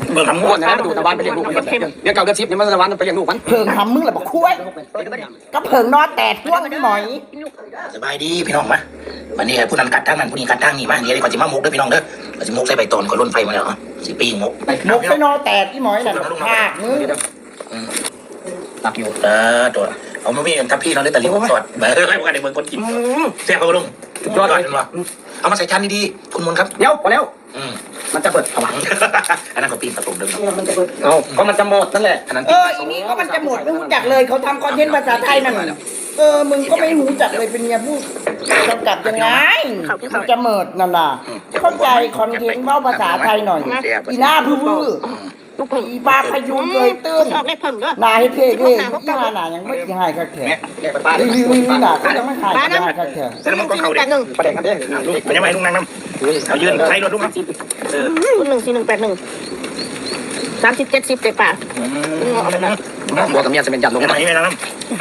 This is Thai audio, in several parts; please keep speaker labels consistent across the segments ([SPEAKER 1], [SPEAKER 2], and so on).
[SPEAKER 1] เบิ่งทำม้วนนะดูตะวันไปเลี้ยงลูกเลี้ยงเก่าเดือน10นี่มันตะวันไปเลี้ยงลูกมัน
[SPEAKER 2] เพิงทำมึงแหละบอกคุ้ยก็เพิงนอนแตดพวกนี่หมอย
[SPEAKER 1] สบายดีพี่น้องมาวันนี้ผู้นั้นกัดทางนั้นผู้นี้กัดทางนี้มาเดี๋ยวก่อนจะมามุกด้วยพี่น้องเด้อเราจะมุกใส่ใบตอนก่อนล้นไฟมาแล้วสิปีมุก
[SPEAKER 2] ไปนอนแตดที่หมอยน่ะภาคมึง
[SPEAKER 1] ตักอยู่ตัวเอามาพี่ทับพี่เราได้แต่ลิ้นสดเบอร์ให้พวกกันในเมืองคนกินแซ่บเขาลงยอดเลยเอามาใส่จานดีๆคุณมนครับ
[SPEAKER 3] เดี๋ยวพอแล้ว
[SPEAKER 1] มันจะเปิดผวังอันนั้นก็ปีนประตูเดิม
[SPEAKER 3] เอาก็มันจะหมดนั่นแหละ
[SPEAKER 2] อันนั้นอีนี้ก็มันจะหมดไม่รู้จักเลยเขาทำคอนเทนต์ภาษาไทยนั่นมึงก็ไม่รู้จักเลยเป็นไงพูดกำกับยังไงมันจะหมดนั่นน่ะเข้าใจคอนเทนต์ว่าภาษาไทยหน่อยอีหน้าพื้อีปลาพยุงเลยตื้นนายเท่ๆที่หน้ายังไม่หายกระแขกนี่หนาก็ยังไม่หายกระแขก
[SPEAKER 1] แต่มันก็เขาเด็กประเด็นกันเด้มันยังไม่ลุงนั่งน้ำเอายืนใช้รถลุงครับ
[SPEAKER 4] 14181 30 70เด็กป่า
[SPEAKER 1] บัวกับเมียจะเป็นจัดลงไหนไม่น้ำ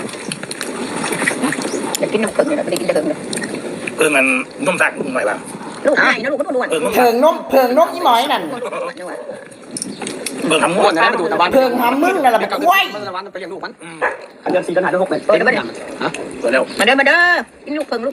[SPEAKER 4] อยากกินน้ำเกลือไม่ได้กินเกลือ
[SPEAKER 1] เพิ่งมันนุ่มสักหน่อยบ้าง
[SPEAKER 4] ลูกไก่นะลูกก็ต้องนวล
[SPEAKER 2] เพิงนกยี่หมอยนั่น
[SPEAKER 1] เบิ่งทำม้วนนะดูตะวัน
[SPEAKER 2] เพิงทำมึงนั่นแหละแบบกล้วย
[SPEAKER 3] มันตะวันไปเลี้ยงลูกมันเดือน4เดือน5เดือน6เนี่ย
[SPEAKER 4] มาเด้อมาเด้อกินลูกเพิง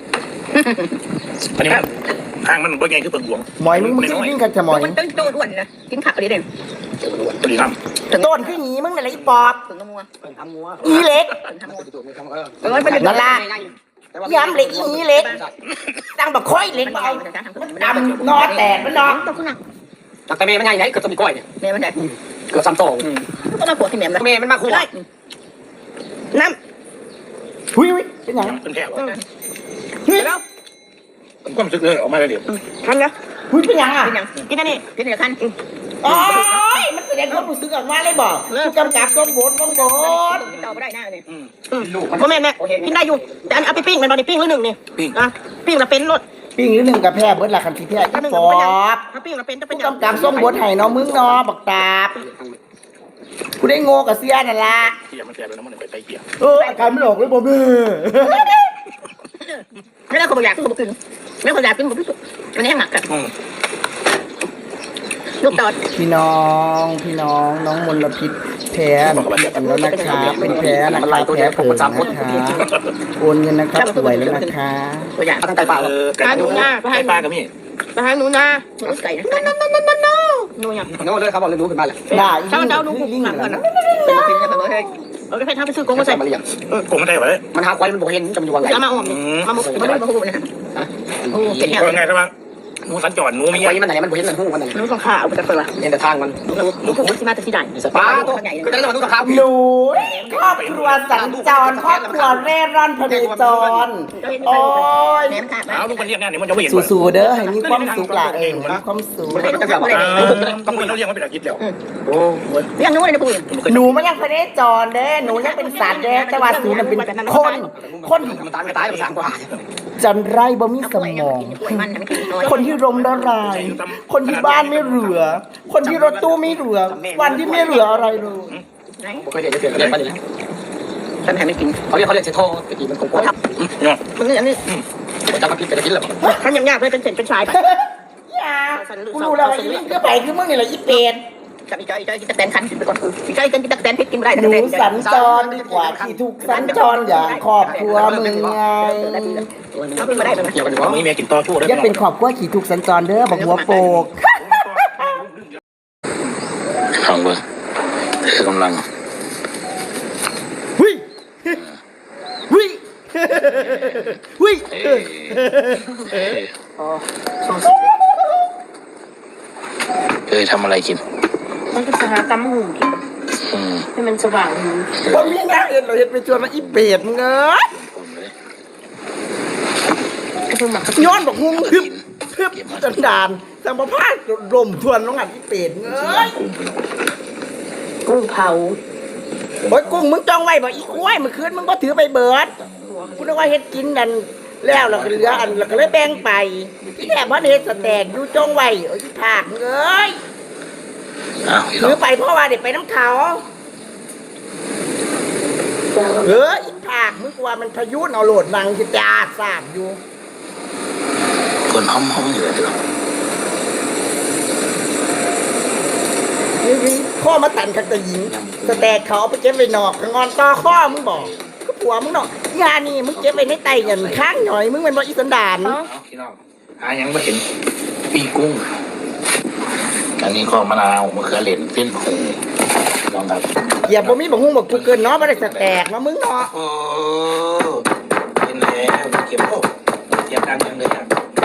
[SPEAKER 1] อันนี้ทางมันบ่ใหญ่คือเปิงหลวง
[SPEAKER 2] หมอยมึงกินกันจะหมอย
[SPEAKER 4] มันต้นอ้วนนะกินผักอะไรเด่น
[SPEAKER 1] ตัวนี้ครับ
[SPEAKER 2] ต้นขึ้นหนีมึงนั่นแหละอีปอบ
[SPEAKER 4] เพิงงัว
[SPEAKER 2] อีเล็กนั่นละย้ำเล็กอีเล็กตั้งแบบค่อยเล็กเอาดำนอแตกมันนอน
[SPEAKER 3] จากแต่เมย์มันใหญ่ไหนเกือบจะมีก้อยเนี่ย
[SPEAKER 4] เมย์มันใหญ่
[SPEAKER 3] เกือบ3 โต
[SPEAKER 4] ก็มาขวดที่เมย์
[SPEAKER 3] มันมาขวด
[SPEAKER 4] น้
[SPEAKER 2] ำหุ้ยเป็นยัง
[SPEAKER 1] เป็นแค่แล้วผมก็รู้สึกเลยออกมาเลยเดี๋ยว
[SPEAKER 4] ทันนะ
[SPEAKER 2] หุ้ยเป็นยังอ่ะ
[SPEAKER 4] กินอันนี้กินเดี๋ยวทัน
[SPEAKER 2] โอ้ยมันเป็นความรู้สึกออกมาเลยบอกผู้กำกับต้องโบน
[SPEAKER 4] ต่อไม่ได้หน้าเนี่ยพ่อแม่เนี่ยกินได้อยู่แต่เอาไปปิ้งมันตอนนี้ปิ้งหรือ1นี่ปิ้งละเป็นรส
[SPEAKER 2] ปิ้งหรือ1กับแพร่เบิร์ดละคันที่แพร่อีปอบ
[SPEAKER 4] ปิ้งละเป็นจะเป็น
[SPEAKER 2] ผู้กำกับส่งบทให้น้องมึงนอบักตาบกูได้โง่กับเสียนั่นละ
[SPEAKER 1] เกี่ยมันแก่ไปแล้วมันไปเกี่ย
[SPEAKER 2] อาการไม่ออกเลยบ่แม่
[SPEAKER 4] ไม่ได้คนอยากกินกินไม่คนอยากกินกินมันแห้งหนักกันลูกตอด
[SPEAKER 2] พี่น้องน้องมลพิษแพ้แล้วนะคะเป็นแพ้นะคะแพ้เผินนะคะโอนเงินนะครับสวยแล้วนะคะ
[SPEAKER 4] ตัวอย่าง
[SPEAKER 3] ตั้งใจเปล่า
[SPEAKER 4] หนูนาไปให้
[SPEAKER 1] ปลากับมี่
[SPEAKER 4] ไปให้หนูนาหนูไก่นะหนูอย่าง
[SPEAKER 3] น้องเลยครับบอกเลยรู้ขึ้นมาแหละ
[SPEAKER 2] ได้
[SPEAKER 4] ถ้าเจ้าหนูบุกหนักก่อนนะเป็นมาเป็นยังไงมาให้ไปให้ทำไปซื้อกงมาใส่
[SPEAKER 3] มาเลี้ยง
[SPEAKER 1] กงไม่ได้เหรอ
[SPEAKER 3] มันหาควายมันบอกเห็นจำอยู่วันไหน
[SPEAKER 4] มาออมมามุกมาดูนะ
[SPEAKER 1] โอ้เป็นยังไงครับว่าหนูสัญจรหนูมี
[SPEAKER 3] ไว้มันไหนมันเห็นมันหูมันไหน
[SPEAKER 4] หนูต้องขาเอาไปจากเปลือก
[SPEAKER 3] เห็นแต่ทางมัน
[SPEAKER 4] หนูผมที่มาแต่ที่ไหน
[SPEAKER 3] ปลาตัวใหญ่ก็ได้มาดูกับเขา
[SPEAKER 2] หนูครอบครัวสัญจรครอบครัวเร่ร่อนพเนจรโอ้ย
[SPEAKER 1] เอาลูกมันเรียกงานเนี่ยมันจะไม่เห็น
[SPEAKER 2] สู้ๆเด้อให้มีความสุขหล่ะมีความสุข
[SPEAKER 1] ต้องคุยเราเรียกว่าเป็นอาชีพเดียวโอ้
[SPEAKER 4] ยยังนู้นเลยนะปุ้ย
[SPEAKER 2] หนูมันยังพเนจรเด้อหนูยังเป็นสัตว์เด้อแต่ว่าหนูมันเป็นคน
[SPEAKER 3] มันตายไป3 กว่า
[SPEAKER 2] จันไรบ่มีสมองคนที่รมละลายคนที่บ้านไม่เหลือคนที่รถตู้ไม่เหลือวันที่ไม่เหลืออะไรเลย
[SPEAKER 3] เคยเด็กจะเปลี่ยนเรียนไปเลยฉันแทนไม่กินเขาเรียกเซโทไปกินมันคงกว่า
[SPEAKER 4] มันนี่อันนี้
[SPEAKER 3] จะมากินไปกินหรอ
[SPEAKER 4] ทำยากเลยเป็นเส้นเป็นสายไป
[SPEAKER 2] กูรู้แล้วอีนี่ก็ไปคือมึงนี่แหละอีเป็ด
[SPEAKER 4] กับอีจอยกินตะแตนคันไปก่อนอีจอยกินตะแตนพริกกินไม่ได้
[SPEAKER 2] หนูสัญจรดีกว่าที่ถูกสัญจรอย่างครอบครัวมึงไง
[SPEAKER 4] เขาไม่ได้
[SPEAKER 1] เกี่ยวกันว่ามีเมียกินต่อชั่ว
[SPEAKER 2] ยังเป็นครอบครัวขี่ถูกสัญจรเด้อบอกหัวโปก
[SPEAKER 1] ฟังเบอร์เธอกำลัง
[SPEAKER 2] หุ้ยหุ้ยหุ้ย
[SPEAKER 1] ทำอะไรกิน
[SPEAKER 4] มันก็หากำหูกินให้มันสว่างหู
[SPEAKER 2] ผมยังไงเอ็นเราเห็นไปชวนมาอีเป็ดเงยย้อนบอกงงทึบดันแต่มาพาดลมทวนน้องหัดอีเป็ดเงย
[SPEAKER 4] กุ้งเผา
[SPEAKER 2] โอ้ยกุ้งมึงจ้องไว้บอกอีกล้วยเมื่อคืนมึงก็ถือไปเบิร์ดกูนึกว่าเฮ็ดกินดันแล้วเราก็เหลืออันเราก็เลยแบ่งไปที่แถบว่าเฮ็ดสแต็กอยู่จ้องไว้โอ้ยผากเงยถือไปเพราะว่าเด็กไปน้ำเขาอีผากมึงกว่ามันพายุเอาโหลดนังที่จ่าสาบอยู่
[SPEAKER 1] คนห้องอยู่เลย
[SPEAKER 2] ข้อมาตันขัดตะหญิงสแตกเขาเอาไปเก็บไว้นอกงอนต่อข้อมึงบอกก็ผัวมึงเนาะยานี่มึงเก็บไว้ในไตเงินข้างหน่อยมึงเป็นบ่อีสันดาน
[SPEAKER 1] พี่น้องยังไม่เห็นปีกุ้งอันนี้ก็มะนาวมะเขือเหล็กเส้นหูลองครับ
[SPEAKER 2] อย่าบ่มีบ่ฮู้บ่กูเกินเนาะบ่ได้สแตกเนาะมึงเนาะ
[SPEAKER 1] โอ้เป็นแล้วเก็บโอ้เตรียมดังยังเลยครับ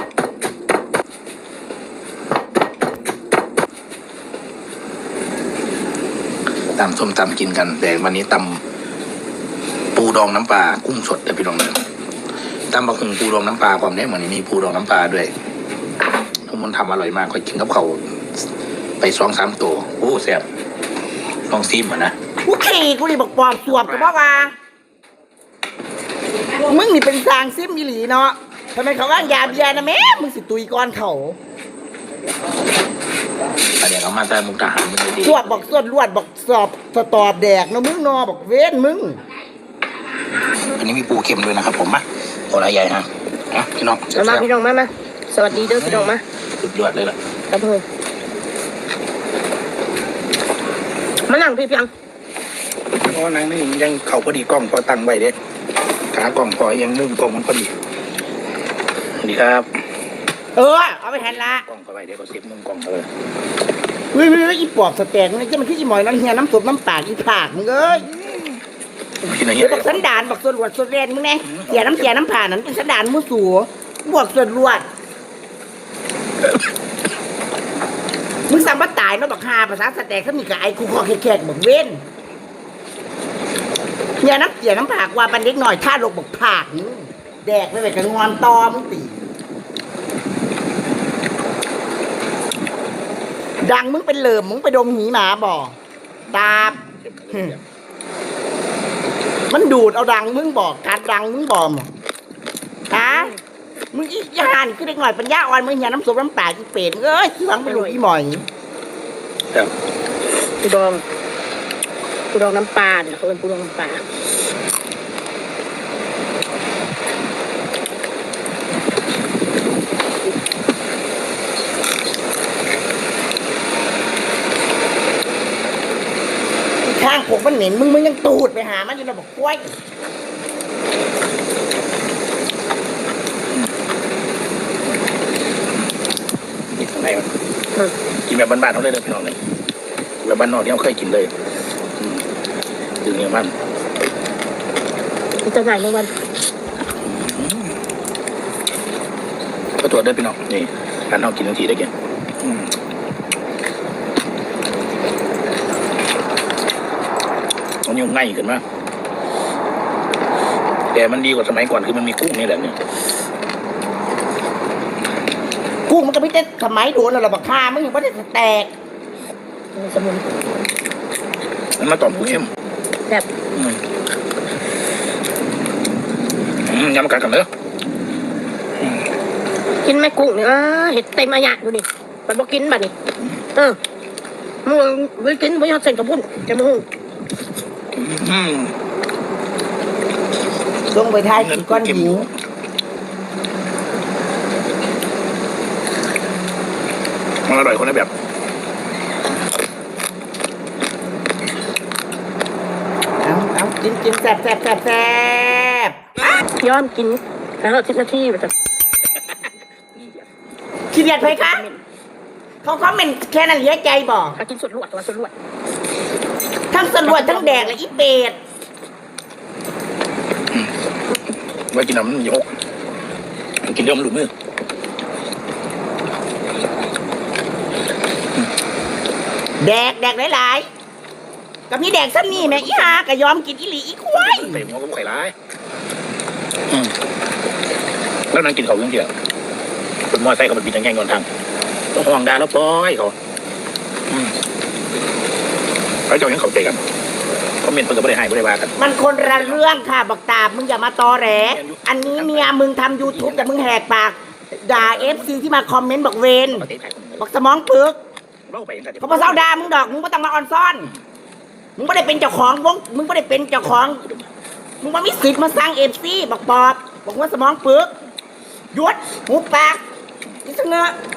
[SPEAKER 1] ตำส้มตำกินกันแต่วันนี้ตำปูดองน้ำปลากุ้งสดเดี๋ยวพี่น้องเลยตำบะหุงปูดองน้ำปลาความเนี้ยเหมือนมีปูดองน้ำปลาด้วยทุกคนทำอร่อยมากค่อยกินกับเขาไป2-3ตัวโอ้แซ่บลองซิมอ่ะนะ
[SPEAKER 2] กูขี่กูนี่บอกปอบสวบก็บ่ว่ามึงนี่เป็นสร้างซิมอีหลีเนาะทำไมเขาว่างยาเบียร์นะแม่มึงสิตุยก่อนเขา
[SPEAKER 1] อันนี้เขามาแต่มุกทหารมันเลยดี
[SPEAKER 2] สวดบอกสวดลวดบอกสอบสตอบแดกเนาะมึงเนาะบอกเว้นมึง
[SPEAKER 1] อันนี้มีปูเค็มด้วยนะครับผมมาโอ้ยใหญ่ฮะพี่น้อง
[SPEAKER 4] มาพี่น้องมาสวัสดีเด้อพี่น้องมา
[SPEAKER 1] สุดยอดเลยล่ะ
[SPEAKER 4] ครับเพื่อนมานั่งพี่เพียง
[SPEAKER 1] เพราะนางนี่ยังเข่าพอดีกล้องพอตั้งไว้เด็ดขากล้องพอยังนุ่มกล้องมันพอดีสวัสดีครับ
[SPEAKER 2] เอาไปแทนละ
[SPEAKER 1] กล้องเข้าไปเดี๋ยวก็เสียบมุมกล้องเลย
[SPEAKER 2] เฮ้ยอีปอบสแตกนี่จะมันคืออีหมอยน้ำเฮียน้ำสดน้ำปากอีผากมึงเอ้ย
[SPEAKER 1] พี่นาย
[SPEAKER 2] เดี๋ยวบอกสันดานบอกส่วนรวดส่วนแรงมึงแน่เสียน้ำผ่านนั้นเป็นสันดานมือสัวบวกส่วนรวดมึงสั่งมาตายเนาะบอกฮาภาษาสแตกเขามีกับไอ้คูคอแขกบอกเว้นเสียน้ำผากว่าบันเล็กหน่อยท่าลกบอกผากมึงแดกไปกับงอนตอมึงตีดังมึงเป็นเหลิมมึงไปดมหีหมาบ่ตาบมันดูดเอาดังมึงบอกการดังมึงบอกฮะมึงอีกยานคือเด็กหน่อยปัญญาอ่อนมึงอย่าน้ำส้มน้ำปลาอีเป็ดเอ้ยที่หวังไปดูอีหมอย
[SPEAKER 1] ครับ
[SPEAKER 4] ปูดองน้ำปลาเนี่ยเขาเป็นปูดองน้ำปลา
[SPEAKER 2] ข้างผมมันเหม็นมึงยังตูดไปหามันอยู่นะบอกกล้วย
[SPEAKER 1] นี่ข้างในมันกินแบบบ้านๆเขาเลยเลยพี่น้องเลยแบบบ้านนอกที่เขาเคยกินเลยถึงเนี่ยมัน
[SPEAKER 4] จะไหนเมื่อวัน
[SPEAKER 1] ก็ตัวเด้อพี่น้องนี่การเอากินทันทีได้กินมันยุ่งง่ายขึ้นมากแต่มันดีกว่าสมัยก่อนคือมันมีกุ้งนี่แหละเนี่ย
[SPEAKER 2] กูมันก็ไม่ได้สมัยโดนแล้วหรอกบักฆ่ามึงยังไม่ได้แตก
[SPEAKER 4] สมุน
[SPEAKER 1] มันมาตอบกูเข้ม
[SPEAKER 4] แบบ
[SPEAKER 1] ย้ำกันกันเด้อ
[SPEAKER 4] กินแม่กุ้งเนี่ยเห็ดเต็มอาญะดูดิมันบอกกินบัดนี่มึงไปกินไม่ยอดเส้นกับพุ่นจะมึง
[SPEAKER 2] ลงไปทายกินก้อนหิว
[SPEAKER 1] มันอร่อยคนละแบบ
[SPEAKER 2] เอากินแซ่บ
[SPEAKER 4] ยอมกินแล้ว10 นาทีแบบ
[SPEAKER 2] ขี้เกียจไปคะเขาคอมเมนต์แค่นั้นเหลือใจบอก
[SPEAKER 4] กินสุดลวดตัวสุดลวด
[SPEAKER 2] ทั้งสรวจทั้งแดกและอีเป็ด
[SPEAKER 1] ไว้กินน้ำมันยกกินเดี๋ยวมันหลุดมือ
[SPEAKER 2] แดกหลายๆกับนี่แดกซ้ำนี่แม่อีหาก็ยอมกินอีหลีอีควาย
[SPEAKER 1] เตะหัวก็ไข่ร้ายแล้วนั่งกินเขาเรื่องเดียวเป็นมอไซค์เขาเป็นปีนแง่งอนทางต้องห่วงดาแล้วปล่อยเขาไอ้เจ้ายังเขาเตะกันเขาเมียนเพิ่งก็ไม่ได้ให้ไม่ได้ว่ากัน
[SPEAKER 2] มันคนละเรื่องค่ะบอกตามึงอย่ามาตอแหลอันนี้เมียมึงทำ YouTube แต่มึงแหกปากด่า FC ที่มาคอมเมนต์บอกเวนบอกสมองปึกเขาพอเศร้าด่ามึงดอกมึงไม่ต้องมาออนซ่อนมึงไม่ได้เป็นเจ้าของวงมึงไม่ได้เป็นเจ้าของมึงไม่มีสิทธิ์มาสร้าง FC บอกปอบบอกว่าสมองปึกหยุดหูปากนี่เสงอ